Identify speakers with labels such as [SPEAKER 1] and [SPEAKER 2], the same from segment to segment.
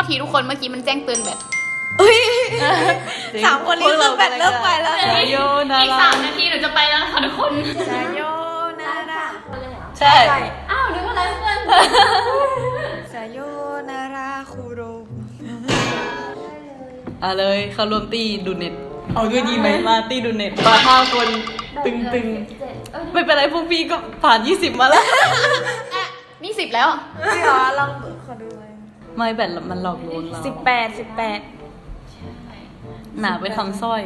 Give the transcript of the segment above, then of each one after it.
[SPEAKER 1] ทีทุกคนเมื่อกี้มันแจ้งเตือนแบบ
[SPEAKER 2] 3 คนนี้คือแบตเริ่มไปแล้ว
[SPEAKER 3] สายโยนา
[SPEAKER 1] อีก
[SPEAKER 3] รา
[SPEAKER 1] 3 นาทีหนูจะไปแล้วค่ะทุกคน
[SPEAKER 2] สายโยนารา
[SPEAKER 3] ใช่
[SPEAKER 1] อ้าวนึกว่าอะไรเพื่อน
[SPEAKER 2] สายโยนาราคูโร
[SPEAKER 3] เลยเขารวมตีดูเน็ตเอาด้วยดีไหมมาตีดูเน็ตมา5 คนตึงไม่เป็นไรพวกพี่ก็ผ่าน20มาแล้ว
[SPEAKER 1] นี่10แล้ว
[SPEAKER 2] พี่อ๋อลองขอดูเลย
[SPEAKER 3] ไม่แบตมันหลอกลวงเรา
[SPEAKER 2] 18
[SPEAKER 3] หนาไปทำสร้อย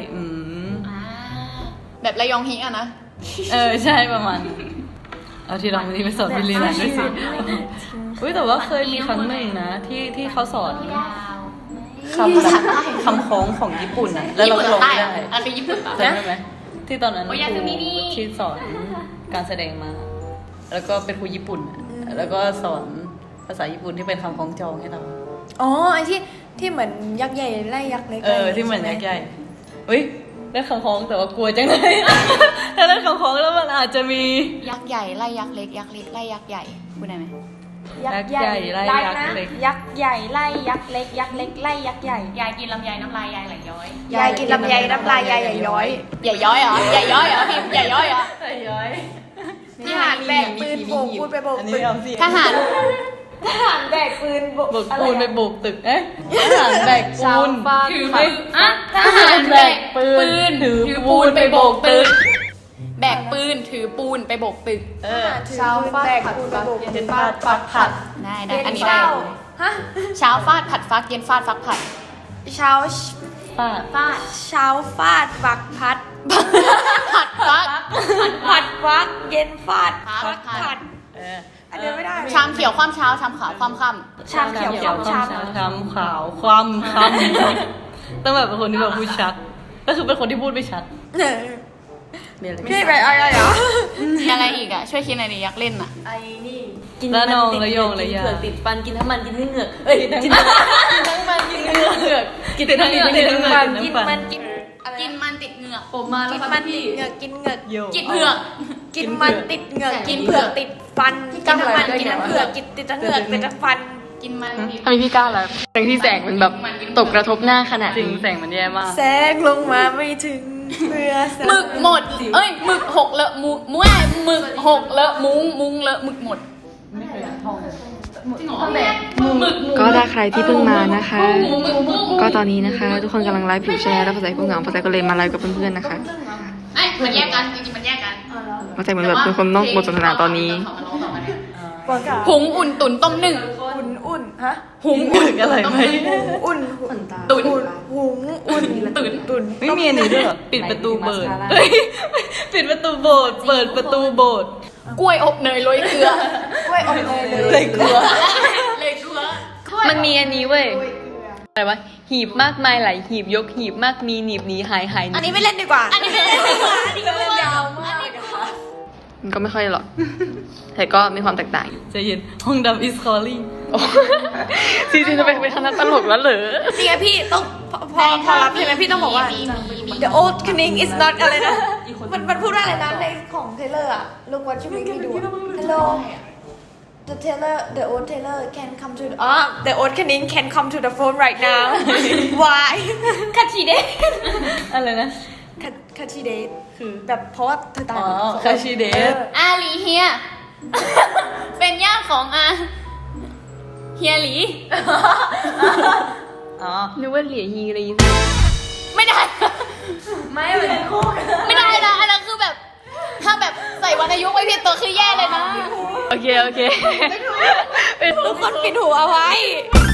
[SPEAKER 1] แบบระยองฮิอะนะ
[SPEAKER 3] ใช่ประมาณเอาที่เราไปสอนพี่ลีน่าด้วยสิอุ้ยแต่ว่าเคยมีครั้งหนึ่งนะที่เขาสอนคำแบบคำคล้องของญี่ปุ่นอะแล้วเราก็ร้องไม่ได้
[SPEAKER 1] อันคือญี่ปุ่นปะ
[SPEAKER 3] จำได้ไหมที่ตอนนั้นค
[SPEAKER 1] โอยา
[SPEAKER 3] รู
[SPEAKER 1] ซึมินี่
[SPEAKER 3] ที่สอนการแสดงมา แล้วก็เป็นครูญี่ปุ่นอะแล้วก็สอนภาษาญี่ปุ่นที่เป็นคำคล้องจองให้เรา
[SPEAKER 2] อ๋อไอที่เหมือนยักษ์ใหญ่ไล่ยักษ์เล็ก
[SPEAKER 3] ที่เหมือนยักษ์ใหญ่เฮ้ยได้คำคล้องแต่ว่ากลัวจังเลย ถ้าได้คำคล้องแล้วมันอาจจะมี
[SPEAKER 1] ยักษ์ใหญ่ไล่ยักษ์เล็กยักษ์เล็กไล่ยักษ์ใหญ่พูดได้ไหม
[SPEAKER 3] ยักษ์ใหญ่ไล่ยักษ์เล็ก
[SPEAKER 2] ยักษ์ใหญ่ไล่ยักษ์เล็กยักษ์เล็กไล่ยักษ์ใหญ่
[SPEAKER 1] ยายกินลำไยน้ำลายยายไหลย้อย
[SPEAKER 2] ยายกินลำไยน้ำลายยายใหญ่ย้อย
[SPEAKER 1] ใหญ่ย้อยเหรอใหญ่ย้อยเหรอพิมพ์ใหญ่ย้อยเหรอ
[SPEAKER 3] ใส่ย้อย
[SPEAKER 2] ทหารแบกปืนโบกพูดไปโบก
[SPEAKER 3] อัน
[SPEAKER 2] ปื
[SPEAKER 3] นี้
[SPEAKER 2] น
[SPEAKER 3] เอาสิ
[SPEAKER 1] ทหาร
[SPEAKER 2] ทหารแบกปืนโบก
[SPEAKER 3] โบกปูนไปโบกตึกทหารแบกปูน
[SPEAKER 1] ถือ
[SPEAKER 3] ไม่
[SPEAKER 1] อ่ะทหารแบกปืนถือปูนไปโบกตึกแบกปืนถือปูนไปโบกตึก
[SPEAKER 2] ชาวฟาดแบกปืนไปโบก
[SPEAKER 3] เย็นฟาดฟักผัด
[SPEAKER 1] ได้อันนี้ได้
[SPEAKER 2] ฮะ
[SPEAKER 1] เช้าฟาดผัดฟักเย็นฟาดฟักผัด
[SPEAKER 2] เช้า
[SPEAKER 3] ฟาด
[SPEAKER 1] ฟาด
[SPEAKER 2] เช้าฟาดฟักพัด
[SPEAKER 1] ผัดฟัก
[SPEAKER 2] ผัดฟักเย็นฟาด
[SPEAKER 1] ฟัก
[SPEAKER 2] ผัดอันเดียวไม่ได้
[SPEAKER 1] ชามเขียวความเช้าชามขาวความค่
[SPEAKER 2] ชามเขียวชาม
[SPEAKER 3] ชามขาวความคำต้องแบบเป็นคนที่แบบพูดชัด ก็คือเป็นคนที่พูดไม่ชัดเนี่ยเลย
[SPEAKER 2] พี่ไปอะไรเหรอ
[SPEAKER 1] ำมีอะไรอีกอ่ะช่วยคิดหน่อยดิอยากเล่นอ่ะ
[SPEAKER 2] ไอ้นี่
[SPEAKER 3] แล้วนองระยองระยา
[SPEAKER 4] เผือกติดฟันกินทั้งมันกินทั้งเหงือกเอ้ยกินทั้งมันกินทั้งเหงือก
[SPEAKER 3] กินทั้งเหงือกกินทั้งมัน
[SPEAKER 2] กินมันกินอะไร
[SPEAKER 1] กินมันติดเหงือก
[SPEAKER 4] ผมมาแล้
[SPEAKER 2] กิ
[SPEAKER 4] วน ครับ
[SPEAKER 2] มันติ
[SPEAKER 4] พี่
[SPEAKER 2] ดเหงือกกินเหงือก
[SPEAKER 3] โย
[SPEAKER 1] กินเผือก
[SPEAKER 2] กินมันติดเหงือกกินเผือกติดฟันกินทั้งมันกินทั้งเผือกกินติดทั้งเหงือกติดทั้งฟัน
[SPEAKER 1] กินมัน
[SPEAKER 4] ทำไมพี่กล้าล่ะแสงที่แสงมันแบบตกกระทบหน้าขนาด
[SPEAKER 3] จริง
[SPEAKER 4] นี้
[SPEAKER 3] แสงมันแย่มาก
[SPEAKER 2] แสงลงมาไม่ถึงเพื่อส
[SPEAKER 1] หมึกหมดเอ้ยหมึกหกเลอะมุ้งหมึกหกเลอะมุ้งเลอะหมึกหมดจริงเหรอหมึก
[SPEAKER 4] ก็ถ้าใครที่เพิ่งมานะคะ ก็ตอนนี้นะคะ ทุกคนกำลังไลฟ์อยู่ใช่ไหมแล้วภาษาพวกเหงาภาษาก็เลยมาไลฟ์กับเพื่อนๆนะคะ
[SPEAKER 1] ไอ้มันแยกกันจริงๆมันแยกกัน
[SPEAKER 4] ภาษาเหมือนแบบเป็นคนนอกบทสนทนาตอนนี้
[SPEAKER 1] หุงอุ่นตุ๋นต้มนึ่ง
[SPEAKER 2] อุ่นฮะ
[SPEAKER 1] หุง
[SPEAKER 3] ถึงอะไรไหม
[SPEAKER 2] อุ่น
[SPEAKER 1] ตุ๋น
[SPEAKER 2] หุงอุ่น
[SPEAKER 1] ตุ๋น
[SPEAKER 3] ไม่มีอันนี้ด้วยเหรอปิดประตูเบิดเฮ้ยปิดประตูโบสถ์เปิดประตูโบสถ์
[SPEAKER 1] กล้วยอบเนยโรยเกลือก
[SPEAKER 2] ล้วยอบเนยเลย
[SPEAKER 3] เลยกลัว
[SPEAKER 1] เลยเกลือ
[SPEAKER 4] มันมีอันนี้เว้ยอะไรวะหีบมากมายหลายหีบยกหีบมากมีหนีบหนีหายหายหนี
[SPEAKER 2] อันนี้ไม่เล่นดีกว่า
[SPEAKER 1] อันนี้ไม่ได้เลยค่ะอันนี้ก็
[SPEAKER 2] ยาวมาก
[SPEAKER 4] มันก็ไม่ค่อยหรอกแต่ก็มีความแตกต่างอยู่
[SPEAKER 3] ใจเย็นห้องดำ is calling
[SPEAKER 4] จริงๆจะเป็นคณะตลกแล้วเหรอ
[SPEAKER 2] นี่ไงพี่ต้องพอรับใช่ไหมพี่ต้องบอกว่า the old cunning is not อะไรนะมันพูดว่าอะไรนะในของเทเลอร์อะ look what you make me do hello the Taylor the old Taylor can come to the old cunning can come to the phone right now why คัชิเดะ
[SPEAKER 3] อะไรนะ
[SPEAKER 2] คัชิเดะคือแบบเพราะว่าเธอตาย
[SPEAKER 3] อ๋อคาชิเดส
[SPEAKER 1] อาหลีเฮีย เป็นญาติของเฮียหลี
[SPEAKER 3] อ๋อ
[SPEAKER 4] นึกว่าเหลียฮีอะไรอย่างงี้
[SPEAKER 1] ไม่ได้
[SPEAKER 2] ไม่เป็นคู่กัน
[SPEAKER 1] ไม่ได้นะอันนั้นคือแบบ ถ้าแบบใส่วรรณยุกต์ไว้ผิดตัวคือแย่เลยนะ
[SPEAKER 4] โอเค
[SPEAKER 2] ทุกคนปิดหูเอาไว้